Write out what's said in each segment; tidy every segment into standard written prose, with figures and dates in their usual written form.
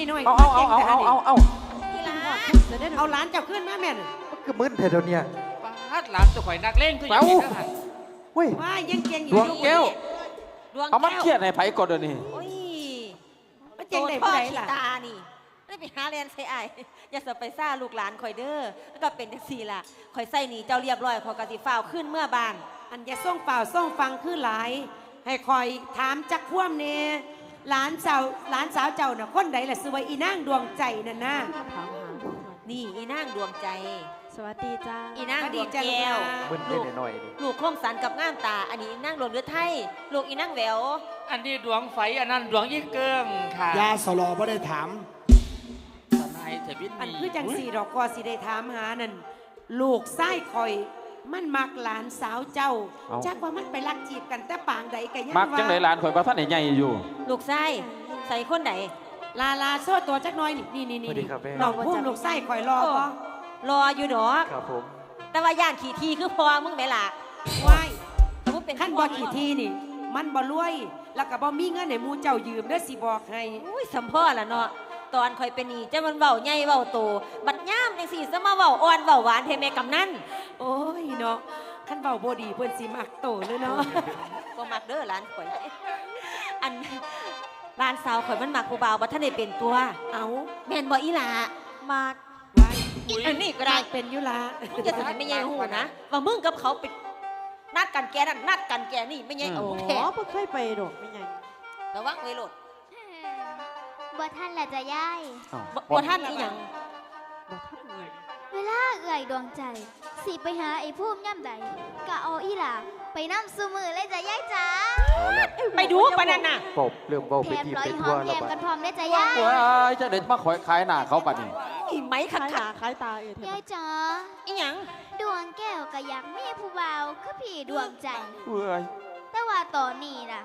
หน่อยเอาที่ร้านเอาหลานเจ้าขึ้นมาแม่นมันก็มึนเถอะเดี๋ยวนี้ปาดหลานตัวข่อยนักเล่งคืออย่างนี้นะเว้ยว่ายังเก่งอดยู่วงแก้วดวงเอามันแก้วเครียดในไผก่อนเดี๋ยวนี้โอ้ยว่าเก่งได้ผู้ใดล่ะตานี่ได้ไปหาเรียนใส่ไอ้อย่าสะไปซ่าลูกหลานข่อยเด้อแล้วก็เป็นจังซี่ล่ะข่อยใส่หนีเจ้าเรียบร้อยข่อยกะสิฟ้าวขึ้นเมื่อบานอันจะส่งเปล่าส่งฟังคือหลาย ให้คอยถามจักคว่ำเนี่ยหลานสาวเจ้าน่ะคนใดล่ะซื้อไว้อีนางดวงใจนั่นนะนี่อีนางดวงใจสวัสดีจ้าอีนางดวงแก้วมึนได้หน่อยดิลูกคมสันกับงามตา อันนี้อีนางหลวงเรือไทยลูกอีนางแหววอันนี้ดวงไฟอันนั้นดวงยี่เกิงค่ะยาสลอบ่ได้ถามทนายเทวิตอันมีคือจังสี่ดอกกอสิได้ถามหานั่นลูกไส้คอย มันมักหลานสาวเจ้าจักว่ามันไปรักจีบกันแต่ปางใดกันยังมักจังไหนหลานข่อยบ่ทันได้ใหญ่อยู่ลูกไส้ใส่คนไหนลาโซ่ตัวจักหน้อยนี่สวัสดีครับแม่น้องพุ่มลูกไส้คอยรอบ่รออยู่ดอกครับผมแต่ว่าย่านขี่ทีคือพอมึงไหมล่ะว้ายแต่ว่าเป็นขั้นบ่ขี่ทีนี่ มันบ่รวย แล้วก็บ่มีเงินให้หมู่เจ้ายืมเด้อสิบอกให้อุ้ยสัมพ่อล่ะเนาะตอนข่อยเป็นนี่จะมันเว้าใหญ่เว้าโตบัดย่ามจังสี่ซะมาเว้าอ่อนเว้าหวานเทแม่กำนันโอ้ยเนาะขั้นเบาบ่ดีเพิ่นสิมักโตเลยเนาะบ่มักเด้อหลานข่อย อันหลานสาวข่อยมันมักผู้บ่าวบ่ทันได้เป็นตัวเอาแม่นบ่อีหล่ะมากไว้อันนี้ก็ได้เป็นอยู่ละมึงจะทำไม่ใหญ่หูนะว่ามึงกับเขาไปนัดกันแกนั่นนัดกันแกนี่ไม่ใหญ่เอาอ๋แท้อเพิ่งเคยไปดอกไม่ไงระวังไว้โลดบ่ท่านแหละจะย่ายบ่ท่านอีหยังบอกท่านเงินเวลาเอื่อยดวงใจ สิไปหาไอ้พุ่มย่ำใดกะเอาอีหล่าไปน้ำซูมือเลยจะย่ายจ้าเอาละไปดูปะนั่นน่ะปบเริ่มเว้าแถไปมทีร้อไปยหทั่อวมแถแล้วมบัดกันพร้อมได้จะย่ายว้ายจะเด็ดมาขอยขายหน้าเขาบัดนี้อีไหมขัดคล้ายหขันาดคล้ายตาเอเทย่ายจ้าอีหยังดวงแก้วก็อยากมีผู้บ่าวคือพี่ดวงใจเว้ยแต่ว่าตอนนี้น่ะ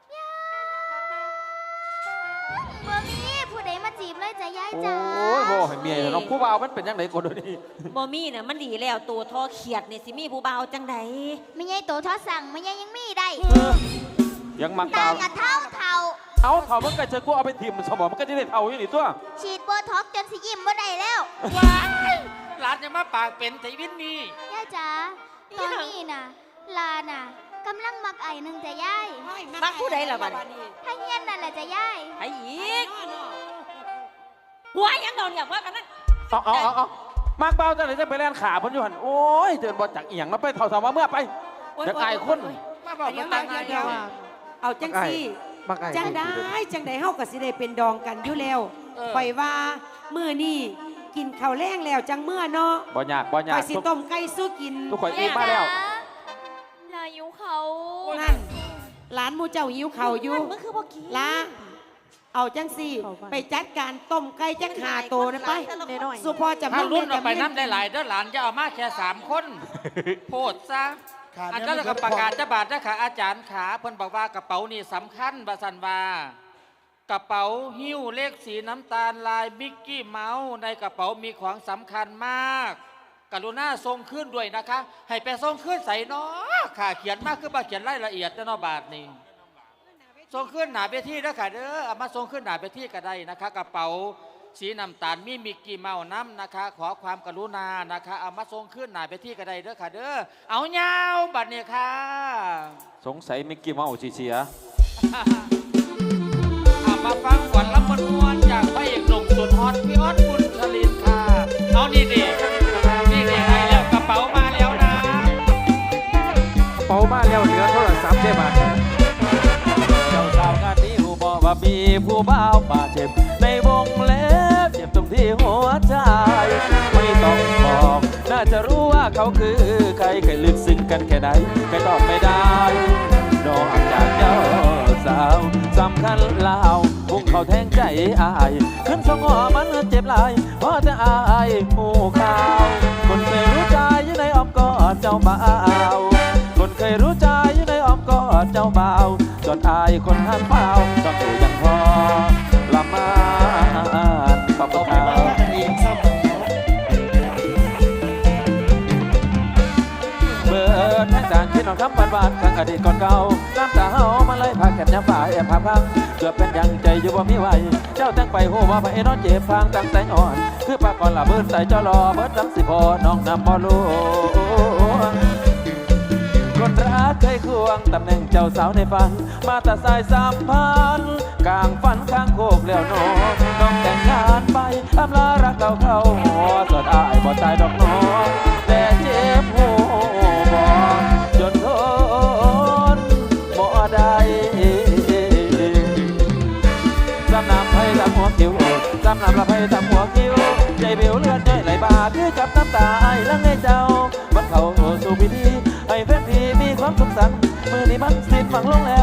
บ่มีผู้ใดมาจีบเลยจะย่ายโอ้จ้ายบ่ให้เมียเนาะผู้บ่าวมันเป็นจังไดก่อนเดี๋ยวนี้บ่มีน่ะมันดีแล้วตัวทอเขียดนี่สิมีผู้บ่าวจังใดไม่ใช่โตทอสั่งไม่ใช่ยังมีได้ยังมักตาดาวกะเท่าเท่าเอาเท่ามันก็จะกูเอาไปทิ่มสมองมันก็จะได้เท่าอย่างนี้ตัวฉีดโบท็อกซ์จนสิยิ้มบ่ได้แล้วว้ายหลานจะมาปากเป็นเทวิตมีย่ายจ๋าตอนนี้น่ะ ลาน่ะกำลังมักไอ้หนึ่งจะย่ายมักผู้ใดล่ะบัดถ้าเฮียนนั่นแหละจะย่ายไอ้อีกหัวยังโดนอย่างว่ากันนั่นเอามากเบาจังเลยจะไปแล่นขาเพิ่นอยู่หั่นโอ้ยเดินบ่จักอีหยังแล้วไปเท่าๆมาเมื่อไปจะอายคนมาบอกมาตั้งอายุเอาจังซี่มักอายจังได้เฮาก็สิได้เป็นดองกันอยู่แล้วข่อยว่ามื้อนี้กินข้าวแรงแล้วจังเมื่อเนาะบ่ยากบ่ยาข่กอยสิต้มไก่สู้กินทุกคนอิ่มมาแล้วลายุเขานั่นหลานหมูเจ้าหิวข้าวอยู่มึงคือบ่กินละเอาจังสี่ไปจัดการต้มไก่จักหาโตนะไปน้อยสุพอจะถ้ารุ่นกัเอาไปน้ำได้หลายเด้อหลานจะเอามาแค่3 คนโพดซะขาดอันเนี่ยนั้นก็ประกาศจะบาทนะค่ะอาจารย์ขาเพิ่นบอกว่ากระเป๋านี่สำคัญบาสันวากระเป๋าหิ้วเลขสีน้ำตาลลายมิกกี้เมาส์ในกระเป๋ามีของสำคัญมาก กรุณาส่งขึ้นด้วยนะคะ ให้ไปส่งขึ้นใส่เนาะค่ะเขียนมากคือมาเขียนรายละเอียดเนาะบาทนี่ส่งขึ้นหนาเวทีนะค่ะเด้อเอามาส่งขึ้นหนาเวทีก็ได้นะคะ กระเป๋าสีน้ำตาลมีมิกกี้เมาส์น้ำนะคะ ขอความกรุณานะคะเอามาส่งขึ้นหนาเวทีก็ได้เด้อค่ะเด้อเอาเงาบัดเนี่ยค่ะสงสัยมิกกี้เมาส์สิเสียเอามาฟังก่อนรับมวลจากพระเอกหนุ่มสุดฮอตพี่ออสบุญชลินค่ะเอานี่เด็กนี่เด็กได้แล้วกระเป๋ามาแล้วนะเป่ามาแล้วเหลือโทรศัพท์ได้บาดเจ้าสาวงานนี้หูบอกว่ามีผู้บ่าวบาดเจ็บในวงเล็บเจ็บตรงที่หัวใจไม่ต้องบอกน่าจะรู้ว่าเขาคือใครเคยลึกซึ้งกันแค่ไหนไม่ตอบไม่ได้นอกจากเจ้าสาวสำคัญลาวพุ่งเขาแทงใจอายขึ้นสงอมันเจ็บหลายเพราะจะอายหูข่าวคนเคยรู้ใจอยู่ในอ้อมกอดเจ้าบ่าวคนเคยรู้ใจอยู่ในอ้อมกอดเจ้าบ่าวจนอายคนหักเปล่าต้องอยู่ยังพอละมาขอบคุณครับกันเองซ้เบิดแห่งจานคิดนอนคำหวานๆข้างอดีตก่อนเก่าน้ำตาเฮามาเลยพาแขนยามฝ่ายแอบพาพังเกือบเป็นยังใจอยู่บ่มีไหวเจ้าตั้งไปโหว่าไปนอนเจ็บฟางตั้งแต่งอ่อนคือปากก่อนละเบิดใส่เจ้ารอเบิดน้ำสิพอน้องนำบ่รู้คนรักเคยควงตำแหน่งเจ้าสาวในฝันมาแต่สายสัมพันธ์กลางฝันข้างโคกแล้วน้องแต่งงานไปอำลารักเก่าเข้าหัวส่วนอายบ่ตายดอกน้องแต่เจ็บหัวจนทนบ่ได้สำนำไผ่ทำหัวคิ้วสำนำละไผ่ทำหัวคิ้วใจเบี้ยวเลือดย่อยไหลบาคือกับน้ำตาไอ้ลังให้เจ้าวันเขาสู่พิธีให้แฟนพี่มีความสุขสันต์มือนี้มันสิ้นฝังลงแล้ว